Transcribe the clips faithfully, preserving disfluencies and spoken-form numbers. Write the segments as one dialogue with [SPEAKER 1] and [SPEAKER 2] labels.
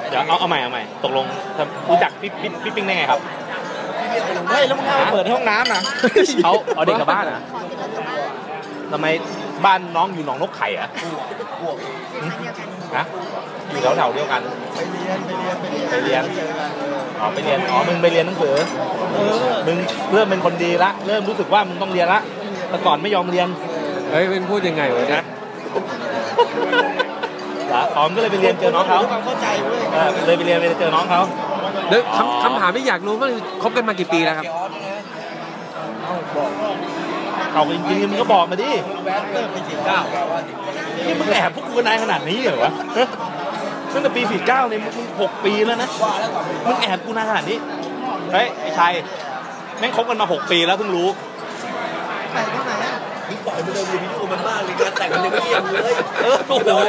[SPEAKER 1] เดี๋ยวเอาเอาใหม่เอาใหม่ตกลงรู้จักพี่พี่พี่ปิ้งได้ไงครับ
[SPEAKER 2] เฮ้ยแล้วมึงเอาเปิดห้องน้ำนะ
[SPEAKER 1] เขาเอาเด็กกลับบ้านนะทำไมบ้านน้องอยู่หนองนกไข่อะนะอยู่แถวๆเดียวกัน
[SPEAKER 2] ไปเรียนไปเรียนไปเรียน
[SPEAKER 1] ไปเรียนอ๋อไปเรียนอ๋อมึงไปเรียนหนังสือมึงเริ่มเป็นคนดีละเริ่มรู้สึกว่ามึงต้องเรียนละแต่ก่อนไม่ยอมเรียน
[SPEAKER 3] เฮ้ยเป็นพูดยังไงวะนะ
[SPEAKER 1] อ๋อมก็เลยไปเรียนเจอน้องเขา
[SPEAKER 2] เข้าใจเว้ย
[SPEAKER 1] เลยไปเรียนไปเจอน้องเขา
[SPEAKER 3] เดี๋ยวคำคำถามที่อยากรู้ว่าคบกันมากี่ปีแล้วครับ
[SPEAKER 1] เขาจริงๆมึงก็บอกมาดิ
[SPEAKER 2] เริ่มปีสี่เก้า
[SPEAKER 1] นี่มึงแอบพวกกูกันนายขนาดนี้เหรอวะตั้งแต่ปีสี่เก้าเนี่ยมึงหกปีแล้วนะมึงแอบกูนานขนาดนี้เฮ้ยไอ้ชัยแม่งคบกันมาหกปีแล้วเพิ่งรู้
[SPEAKER 2] ใครที่ไหน
[SPEAKER 4] มึงปล่อยมึงเอาวิดีโอมันมากเลยการแต่งมันยังไม่เรียบเลย
[SPEAKER 1] เออโอ้โห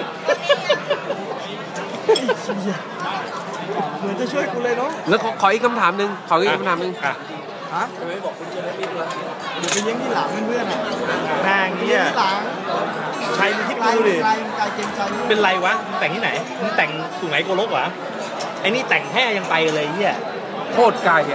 [SPEAKER 2] เหมือนจะช่วยกูเลยเนาะ
[SPEAKER 3] แล้วขออีกคำถามหนึ่งขออีกคำถามหนึ่ง
[SPEAKER 2] ฮะ
[SPEAKER 4] ทำไมบอกคุณจะได้ปิ๊กละ
[SPEAKER 2] เดี๋ยวไปเลี้ยงที่หลังเพื่อนๆอ่ะ
[SPEAKER 1] นางเนี่ย
[SPEAKER 2] ที่หลัง
[SPEAKER 1] ชัยมึงคิดดูดิเป็นไรวะแต่งที่ไหนมึงแต่งสุไหนโกลกวะไอ้นี่แต่งแห่ยังไปเลยเฮีย
[SPEAKER 3] โคตรไกลอ่ะ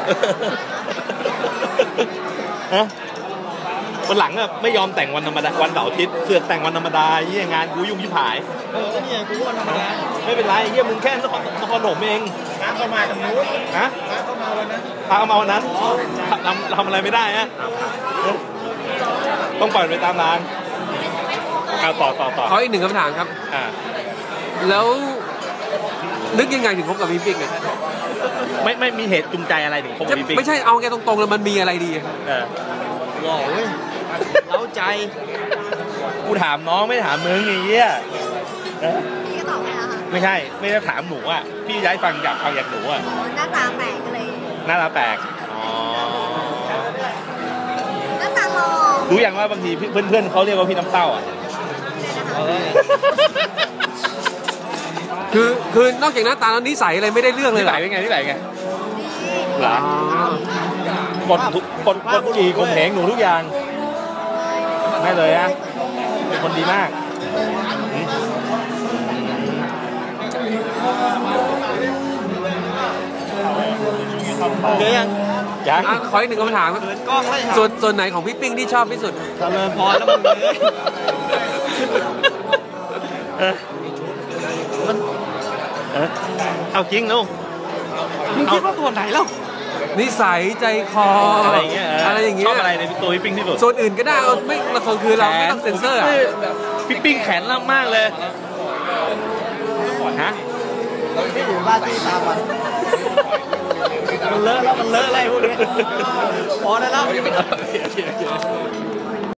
[SPEAKER 1] ฮะวันหลังอะไม่ยอมแต่งวันธรรมดาวันเสาร์อาทิตย์เสือกแต่งวันธรรมดาเยี่ยงานกูยุ่งยิ่งผาย
[SPEAKER 2] เออเนี่ยกูวันธรรมดา
[SPEAKER 1] ไม่เป็นไรเยี่ยมึงแค่นครนครถมเอง
[SPEAKER 2] น้ำเข้ามาตรงนู้น
[SPEAKER 1] ฮะ
[SPEAKER 2] น้ำเข้ามาวันนั้น
[SPEAKER 1] พาเข้ามาวันนั้นทำทำอะไรไม่ได้ฮะต้องปล่อยไปตามร้านเอาต่อต่อต่อ
[SPEAKER 3] ขออีกหนึ่งคำถามครับ
[SPEAKER 1] อ่า
[SPEAKER 3] แล้วนึกยังไงถึงคบกับพี่ปิ๊กเนี่ย
[SPEAKER 1] ไม่ไม่มีเหตุจูงใจอะไรถึงคบกับพี่ปิ๊ก
[SPEAKER 3] ไม่ใช่เอาแกตรงๆเลยมันมีอะไรดี
[SPEAKER 1] เออ
[SPEAKER 2] หล่อเว้ยเล้าใจ
[SPEAKER 1] กูถามน้องไม่ถามมึงไอ้เหี้ย
[SPEAKER 5] พี่ก็ตอบไม่แล้วค่ะ
[SPEAKER 1] ไม่ใช่ไม่ได้ถามหนูอ่ะพี่ย้ายฟังอยากฟังอยากหนูอ่ะ
[SPEAKER 5] หน้าตาแปลกเลย
[SPEAKER 1] หน้าตาแปลกอ๋อ
[SPEAKER 5] หน้าตาหล่อ
[SPEAKER 1] รู้อย่างว่าบางทีเพื่อนๆเขาเรียกว่าพี่น้ำเต้าอ่ะ
[SPEAKER 3] คือคือนอกจากหน้าตาแล้วนิสัยอะไรไม่ได้เรื่องเลย
[SPEAKER 1] หรอนิสัยเป็นไงนิสัยไงหรอกดทุกกดกดจีกดแหงหนูทุกอย่างไม่เลยฮะเป็นคนดีมาก
[SPEAKER 2] เดี๋ยวยัง
[SPEAKER 1] ยัง
[SPEAKER 3] ขออีกหนึ่งคำถามครับส่วนส่วนไหนของพี่ปิ้งที่ชอบที่สุด
[SPEAKER 2] เจริญพรแล้วมึงเลย
[SPEAKER 1] มันเอาจริงลูก
[SPEAKER 2] มึงคิดว่าส่วนไหนแล้ว
[SPEAKER 3] นิสัยใจคอ
[SPEAKER 1] อะไรเงี้ย
[SPEAKER 3] อะไรอย่างเงี้ย
[SPEAKER 1] ชอบอะไรในตัวพี่ปิ้งที่สุด
[SPEAKER 3] ส่วนอื่นก็ได้ไม่ละคนคือเราไม่ต้องเซ็นเซอร์อ่ะ
[SPEAKER 1] พี่ปิ้งแขนล่ำมากเลยฮะ
[SPEAKER 2] เราไม่อยู่บ้านที่ตามันมันเลอะแล้วมันเลอะอะไรพวกนี้พอได้แล้ว